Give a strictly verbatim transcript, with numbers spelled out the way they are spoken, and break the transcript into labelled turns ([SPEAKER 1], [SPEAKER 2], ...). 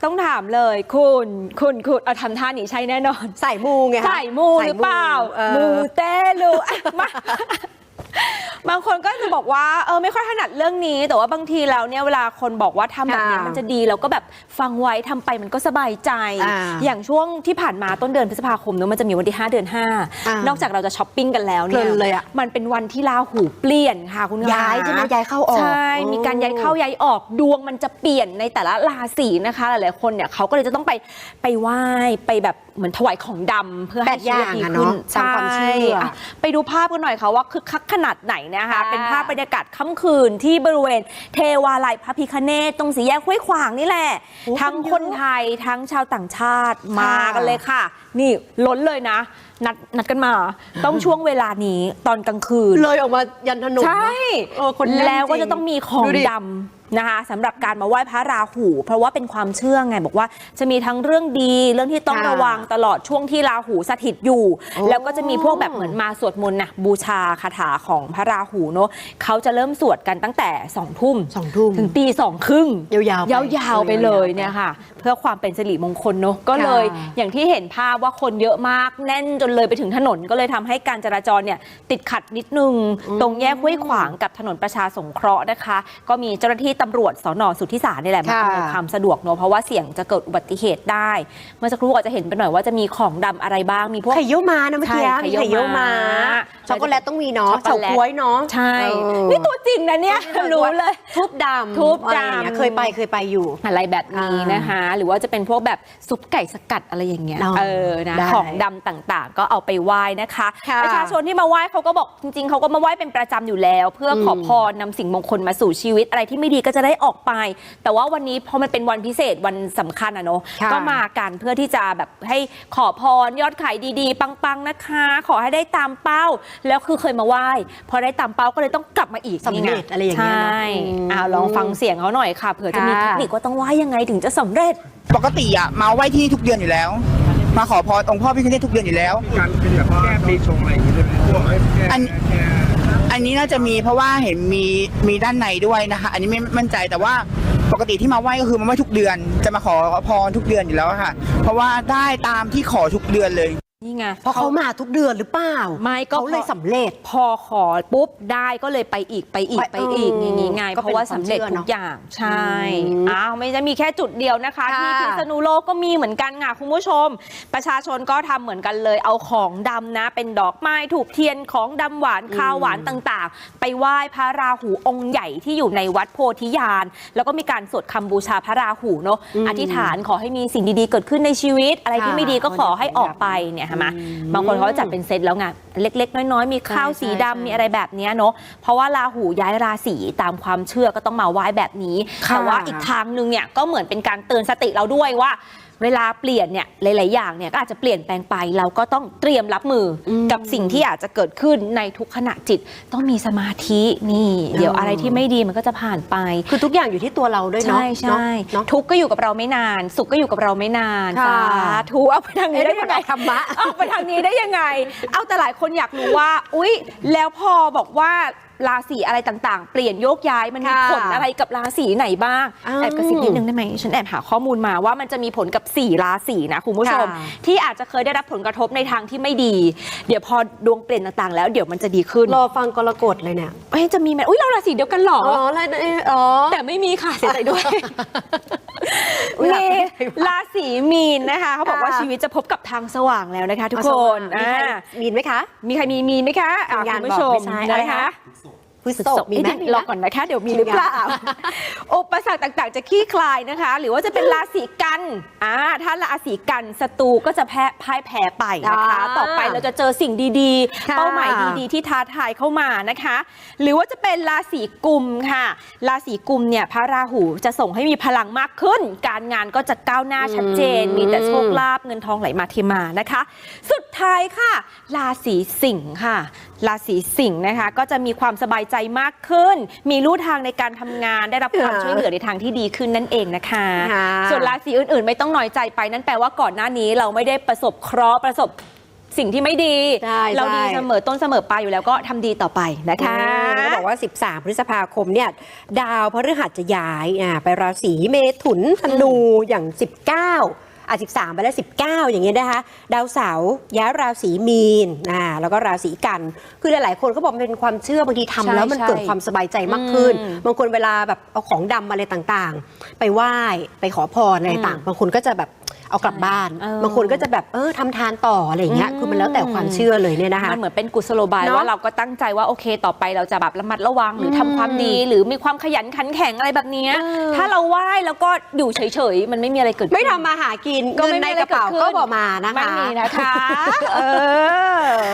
[SPEAKER 1] ต้องถามเลยคุณคุณคุณเอาทำท่านี้ใช่แน่นอน
[SPEAKER 2] ใส่มูไง
[SPEAKER 1] ใส่มูหรือเปล่ามูเตลูมาบางคนก็จะบอกว่าเออไม่ค่อยถนัดเรื่องนี้แต่ว่าบางทีแล้วเนี่ยเวลาคนบอกว่าทำแบบนี้มันจะดีเราก็แบบฟังไว้ทำไปมันก็สบายใจ อ, อย่างช่วงที่ผ่านมาต้นเดือนพฤษภาคมเนอะมันจะมีวันที่ห้าเดือนห้านอกจากเราจะช้อปปิ้งกันแล้วเนี่ยมันเป็นวันที่ราหูเปลี่ยนค่ะคุณ
[SPEAKER 2] ย้ายใช่ไหมย้ายเข้าออก
[SPEAKER 1] ใช่มีการย้ายเข้าย้ายออกดวงมันจะเปลี่ยนในแต่ละราศีนะคะหลายๆคนเนี่ยเขาก็เลยจะต้องไปไปไหว้ไปแบบเหมือนถวายของดำเพื่อให้ชีวิตดีขึ้น
[SPEAKER 2] ตามความเชื่อ
[SPEAKER 1] ไปดูภาพกันหน่อยค่ะว่าคึกคักขนาดไหนนะคะเป็นภาพบรรยากาศค่ำคืนที่บริเวณเทวาลัยพระพิฆเนศตรงสี่แยกห้วยขวางนี่แหละทั้งคนไทยทั้งชาวต่างชาติมากันเลยค่ะนี่ล้นเลยนะนัดนัดกันมาต้องช่วงเวลานี้ตอนกลางคืน
[SPEAKER 2] เลยออกมายันถนน
[SPEAKER 1] ใช่แล้วก็จะต้องมีของดำนะคะสำหรับการมาไหว้พระราหูเพราะว่าเป็นความเชื่อไงบอกว่าจะมีทั้งเรื่องดีเรื่องที่ต้องระวังตลอดช่วงที่ราหูสถิตอยู่แล้วก็จะมีพวกแบบเหมือนมาสวดมนต์นะบูชาคาถาของพระราหูเนาะเขาจะเริ่มสวดกันตั้งแต่สองทุ่ม
[SPEAKER 2] สองทุ่ม
[SPEAKER 1] ถึงตีสองครึ่ง
[SPEAKER 2] ยาว
[SPEAKER 1] ๆยาวๆไปเลยเนี่ยค่ะเพื่อความเป็นสิริมงคลเนาะก็เลยอย่างที่เห็นภาพว่าคนเยอะมากแน่นจนเลยไปถึงถนนก็เลยทำให้การจราจรเนี่ยติดขัดนิดนึงตรงแยกห้วยขวางกับถนนประชาสงเคราะห์นะคะก็มีเจ้าหน้าที่ตำรวจสน.สุทธิสารนี่แหละมาอำนวยความสะดวกเนอะเพราะว่าเสี่ยงจะเกิดอุบัติเหตุได้เมื่อสักครู่อาจจะเห็นไปหน่อยว่าจะมีของดำอะไรบ้างมีพวก
[SPEAKER 2] ไข่เยี่ยวม้านะเมื่อกี้มีไข่เยี่ยวม้าช็อกโกแลตต้องมีเนาะเฉาก๊วยเนาะ
[SPEAKER 1] ใช่นี่ตัวจริงนะเนี่ยรู้เลย
[SPEAKER 2] ทูบดำ
[SPEAKER 1] ทูบดำ
[SPEAKER 2] เคยไปเคยไปอยู่
[SPEAKER 1] อะไรแบบนี้นะคะหรือว่าจะเป็นพวกแบบซุปไก่สกัดอะไรอย่างเงี้ยเออนะของดำต่างๆก็เอาไปไหว้นะคะประชาชนที่มาไหว้เขาก็บอกจริงๆเขาก็มาไหว้เป็นประจำอยู่แล้วเพื่อขอพรนำสิ่งมงคลมาสู่ชีวิตอะไรที่ไม่ดีก็จะได้ออกไปแต่ว่าวันนี้พอมันเป็นวันพิเศษวันสำคัญอะเนาะก็มากันเพื่อที่จะแบบให้ขอพรยอดขายดีๆปังๆนะคะขอให้ได้ตามเป้าแล้วคือเคยมาไหว้พอได้ตามเป้าก็เลยต้องกลับมาอีก
[SPEAKER 2] สำเร็จอะไรอย่างเงี้ย
[SPEAKER 1] ใช่เอาลองฟังเสียงเขาหน่อยค่ะเผื่อจะมีเทคนิคว่าต้องไหว้ยังไงถึงจะสำเร็จ
[SPEAKER 3] ปกติอะมาไหว้ที่นี่ทุกเดือนอยู่แล้วมาขอพรองค์พ่อพิฆเนศทุกเดือนอยู่แล้ว
[SPEAKER 4] การเป็นแบบแก้ปีชงอะไรอย่างเงี้ย
[SPEAKER 3] อันอันนี้น่าจะมีเพราะว่าเห็นมีมีด้านในด้วยนะคะอันนี้ไม่มั่นใจแต่ว่าปกติที่มาไหว้ก็คือมาไหว้ทุกเดือนจะมาขอพรทุกเดือนอยู่แล้วค่ะเพราะว่าได้ตามที่ขอทุกเดือนเลย
[SPEAKER 1] นี่ไง
[SPEAKER 2] เพราะเขามาทุกเดือนหรือเปล่า
[SPEAKER 1] ไม่ก็
[SPEAKER 2] เขาเลยสำเร็จ
[SPEAKER 1] พอขอปุ๊บได้ก็เลยไปอีกไปอีกไปอีกอย่างงี้ไงเพราะว่าสำเร็จทุกอย่างใช่อ้าวไม่จะมีแค่จุดเดียวนะคะที่พิษณุโลกก็มีเหมือนกันค่ะคุณผู้ชมประชาชนก็ทำเหมือนกันเลยเอาของดำนะเป็นดอกไม้ถูกเทียนของดำหวานข้าวหวานต่างๆไปไหว้พระราหูองค์ใหญ่ที่อยู่ในวัดโพธิญาณแล้วก็มีการสวดคำบูชาพระราหูเนาะอธิษฐานขอให้มีสิ่งดีๆเกิดขึ้นในชีวิตอะไรที่ไม่ดีก็ขอให้ออกไปเนี่ยใช่ไหมบางคนเขาจัดเป็นเซตแล้วไงเล็กๆน้อยๆมีข้าวสีดำมีอะไรแบบนี้เนาะเพราะว่าราหูย้ายราศีตามความเชื่อก็ต้องมาไหว้แบบนี้แต่ว่าอีกทางนึงเนี่ยก็เหมือนเป็นการเตือนสติเราด้วยว่าเวลาเปลี่ยนเนี่ยหลายๆอย่างเนี่ยก็อาจจะเปลี่ยนแปลงไปเราก็ต้องเตรียมรับมือกับสิ่งที่อาจจะเกิดขึ้นในทุกขณะจิตต้องมีสมาธินี่เดี๋ยวอะไรที่ไม่ดีมันก็จะผ่านไป
[SPEAKER 2] คือทุกอย่างอยู่ที่ตัวเราด้วยเนาะ
[SPEAKER 1] ใช่ใช่ทุกก็อยู่กับเราไม่นานสุขก็อยู่กับเราไม่นานสาธุเอาไปทางนี้ได้ยังไง
[SPEAKER 2] ธรรมะ
[SPEAKER 1] เอาไปทางนี้ได้ยังไงเอาแต่หลายคนอยากรู้ว่าอุ๊ยแล้วพอบอกว่าราศีอะไรต่างๆเปลี่ยนโยกย้ายมันมีผลอะไรกับราศีไหนบ้างแอบกระซิบนิดนึงได้ไหมฉันแอบหาข้อมูลมาว่ามันจะมีผลกับสี่ราศีนะคุณผู้ชมที่อาจจะเคยได้รับผลกระทบในทางที่ไม่ดีเดี๋ยวพอดวงเปลี่ยนต่างๆแล้วเดี๋ยวมันจะดีขึ้น
[SPEAKER 2] รอฟังกรกฎเลยเนี่ย
[SPEAKER 1] เอ้ยจะมีไหมอุ้ยเราราศีเดียวกันหรอ
[SPEAKER 2] อ๋ออะไรอ๋อ
[SPEAKER 1] แต่ไม่มีค่ะเสียใจด้วยมีราศีมีนนะคะเขาบอกว่าชีวิตจะพบกับทางสว่างแล้วนะคะทุกคน
[SPEAKER 2] มีนไหมคะ
[SPEAKER 1] มีใครมีมีนไหมคะคุณผู้ชมนะคะ
[SPEAKER 2] พฤษภมีไหม
[SPEAKER 1] รอก่อนนะคะเดี๋ยวมีหรือเปล่าอุปสรรคต่างๆจะคลี่คลายนะคะหรือว่าจะเป็นราศีกันอ่าถ้าราศีกันศัตรูก็จะแพ้พ่ายแพ้ไปนะคะต่อไปเราจะเจอสิ่งดีๆเป้าหมายดีๆที่ท้าทายเข้ามานะคะหรือว่าจะเป็นราศีกุมค่ะราศีกุมเนี่ยพระราหูจะส่งให้มีพลังมากขึ้นการงานก็จะก้าวหน้าชัดเจนมีแต่โชคลาภเงินทองไหลมาเทมานะคะสุดท้ายค่ะราศีสิงค์ค่ะราศีสิงห์นะคะก็จะมีความสบายใจมากขึ้นมีลู่ทางในการทำงานได้รับความช่วยเหลือในทางที่ดีขึ้นนั่นเองนะคะส่วนราศีอื่นๆไม่ต้องน้อยใจไปนั่นแปลว่าก่อนหน้านี้เราไม่ได้ประสบเคราะห์ประสบสิ่งที่ไม่ดีเราดีเสมอต้นเสมอปลายอยู่แล้วก็ทำดีต่อไปนะคะ
[SPEAKER 2] ก็บอกว่า สิบสาม พฤษภาคมเนี่ยดาวพฤหัสจะย้ายอ่าไปราศีเมถุนธนูอย่าง สิบเก้าอ่ะสิบสามไปแล้วสิบเก้าอย่างเงี้ยนะคะดาวเสาร์ย้ายราศีมีนอ่าแล้วก็ราศีกันคือหลายๆคนเขาบอกมันเป็นความเชื่อบางทีทำแล้วมันเกิดความสบายใจมากขึ้นบางคนเวลาแบบเอาของดำอะไรต่างๆ ไปไหว้ไปขอพรอะไรต่างบางคนก็จะแบบเอากลับบ้านบางคนก็จะแบบเออทำทานต่ออะไรอย่างเงี้ยคือมันแล้วแต่ความเชื่อเลยเนี่ยนะคะ
[SPEAKER 1] มันเหมือนเป็นกุศโลบาย
[SPEAKER 2] เนอะ
[SPEAKER 1] ว่าเราก็ตั้งใจว่าโอเคต่อไปเราจะแบบระมัดระวังหรือทำความดี หรือมีความขยันขันแข็งอะไรแบบเนี้ย
[SPEAKER 2] เออ
[SPEAKER 1] ถ้าเราไหว้แล้วก็อยู่เฉยๆมันไม่มีอะไรเกิดขึ้น
[SPEAKER 2] ไม่ทำมาหากิน
[SPEAKER 1] ก็
[SPEAKER 2] เงิน
[SPEAKER 1] ไม่
[SPEAKER 2] ใน
[SPEAKER 1] มีอะไร
[SPEAKER 2] กระเป๋า
[SPEAKER 1] เกิดขึ้น
[SPEAKER 2] ก็บอกมานะคะ
[SPEAKER 1] ไม่มีนะคะ เออ